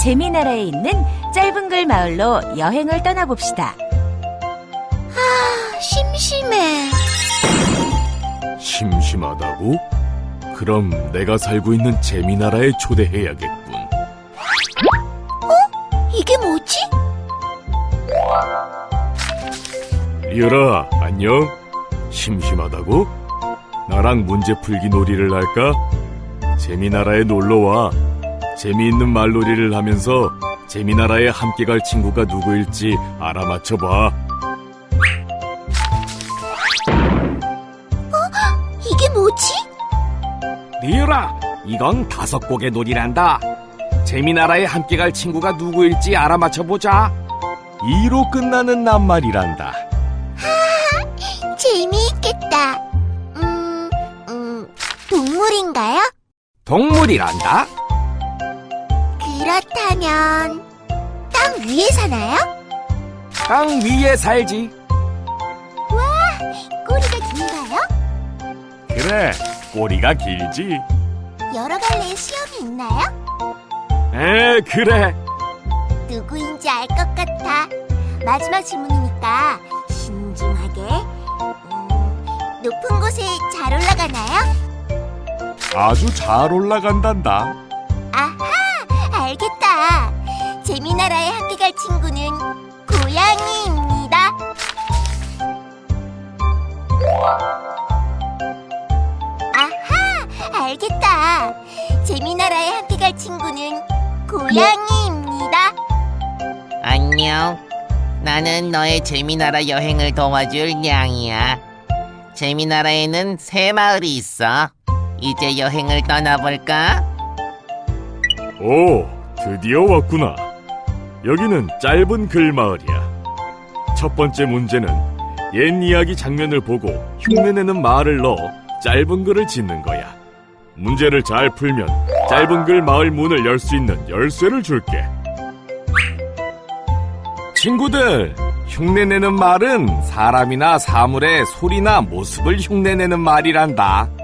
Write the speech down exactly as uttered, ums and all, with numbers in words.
재미나라에 있는 짧은 글 마을로 여행을 떠나봅시다. 아, 심심해. 심심하다고? 그럼 내가 살고 있는 재미나라에 초대해야겠군. 이게 뭐지? 리얼아, 안녕? 심심하다고? 나랑 문제 풀기 놀이를 할까? 재미나라에 놀러와. 재미있는 말놀이를 하면서 재미나라에 함께 갈 친구가 누구일지 알아맞혀봐. 이게 뭐지? 리얼아, 이건 다섯 곡의 놀이란다. 재미나라에 함께 갈 친구가 누구일지 알아맞혀보자. 이로 끝나는 낱말이란다. 재미있겠다. 음, 음, 동물인가요? 동물이란다. 그렇다면 땅 위에 사나요? 땅 위에 살지. 꼬리가 긴가요? 그래, 꼬리가 길지. 여러 갈래의 수염이 있나요? 에, 그래. 누구인지 알 것 같아. 마지막 질문이니까 신중하게. 음, 높은 곳에 잘 올라가나요? 아주 잘 올라간단다. 아하, 알겠다. 재미나라에 함께 갈 친구는 고양이입니다. 아하, 알겠다. 재미나라에 함께 갈 친구는 고양이입니다. 안녕. 나는 너의 재미나라 여행을 도와줄 냥이야. 재미나라에는 새 마을이 있어. 이제 여행을 떠나볼까? 오, 드디어 왔구나. 여기는 짧은 글 마을이야. 첫 번째 문제는 옛 이야기 장면을 보고 흉내내는 말을 넣어 짧은 글을 짓는 거야. 문제를 잘 풀면 짧은 글 마을 문을 열 수 있는 열쇠를 줄게. 친구들, 흉내내는 말은 사람이나 사물의 소리나 모습을 흉내내는 말이란다.